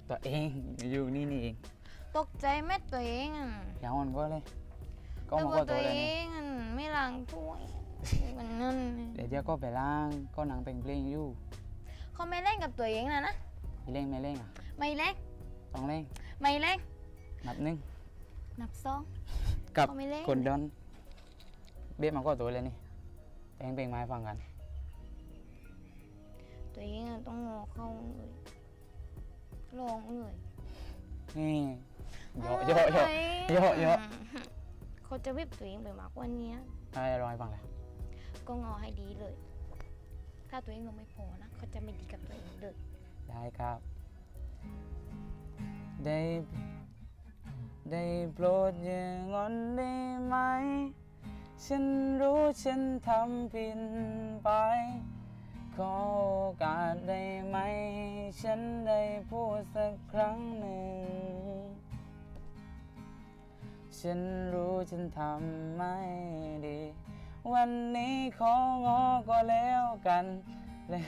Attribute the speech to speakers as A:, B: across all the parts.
A: ตัวเองอยู่นี่เอง
B: ตกใจแม่ตัวเองอ่ะ
A: อย่าอ่อนก็เลยก็
B: แต่
A: มา
B: ว่า
A: ก็ตั
B: ตัว ว
A: เลย
B: เอ
A: นี่
B: งอ่ะไม่ล้างถ้วยมันนั่น
A: เดี๋ยวก็ไปล้างก็หนังเป็นเพลงอยู่
B: เขาไม่เล่นกับตัวเองนะ
A: ไม่เล่งไม่เล่งอ่ะ
B: ไม่เล่น
A: ต้องเล่ง
B: ไม่เล่น
A: นับหนึ่ง
B: นับสอง
A: กับ
B: เขาไม่เล่น
A: คนดอนเบี้ยมาก็ตัวเลยนี่เพลงไม้ฟังกัน
B: ตัวเองอ่ะต้องงอเข้าเลยลองเลย
A: นี่เยอะเยอะเยอะเยอะเยอะ
B: เขาจะวิบตัวเองไปมากกว่านี้
A: อะไรร้อยฟังเลย
B: ก็งอให้ดีเลย ถ้าตัวเองลงไม่พอนะเขาจะไม่ดีกับตัวเองเลย
A: ได้ครับ ได้โปรดอย่างอนได้ไหมฉันรู้ฉันทำผิดไปขอโอกาสได้ไหมฉันได้พูดสักครั้งหนึ่งฉันรู้ฉันทำไม่ดี วันนี้ของอก็แล้วกันเลย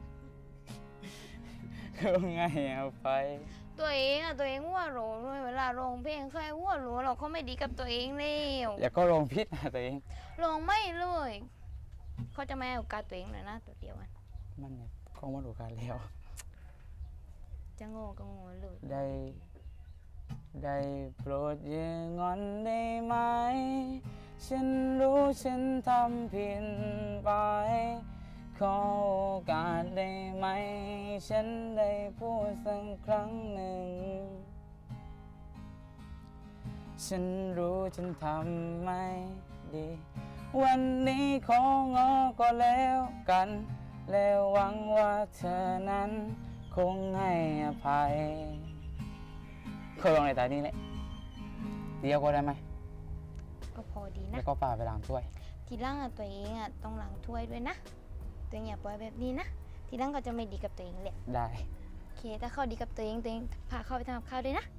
A: ก็ไงเอาไป
B: ตัวเองอ่ะตัวเองหัวโหลเลยเวลาร้องเพลงใครหัวโหลเราเขาไม่ดีกับตัวเองแล้ว
A: อย่าก็ลงพิษนะตัวเอง
B: ร้องไม่เลยเขาจะไม่ให้โอกาสตัวเองเลยนะตัวเดียวกัน
A: มันเนี่ยคงมาดูกันแล้ว
B: จะโง่ก็โง่เลย
A: ได้โปรดอย่างอนได้ไหมฉันรู้ฉันทำผิดไปขอโอกาสได้ไหมฉันได้พูดสักครั้งหนึ่งฉันรู้ฉันทำไม่ดี วันนี้ของอก็แล้วกัน แล้วหวังว่าเธอนั้นคงให้อภัยเคยลองในตานี้แหละเดียวก็ได้ไหม
B: ก็พอดีนะ
A: แล้วก็ป่าไปล้างถ้วย
B: ทีหล่างอ่ะตัวเองอ่ะต้องล้างถ้วยด้วยนะตัวเองอย่าปล่อยแบบนี้นะทีหล่างก็จะไม่ดีกับตัวเองแหละ
A: ได้
B: โอเคถ้าเขาดีกับตัวเองพาเขาไปทำกับข้าวด้วยนะ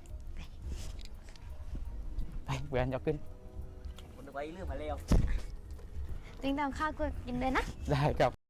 A: ไปเบื่อยกขึ้น
C: คนไปเรื่องมาแล้ว
B: ตัวเองทำข้าวก็กินเลยนะ
A: ได้ครับ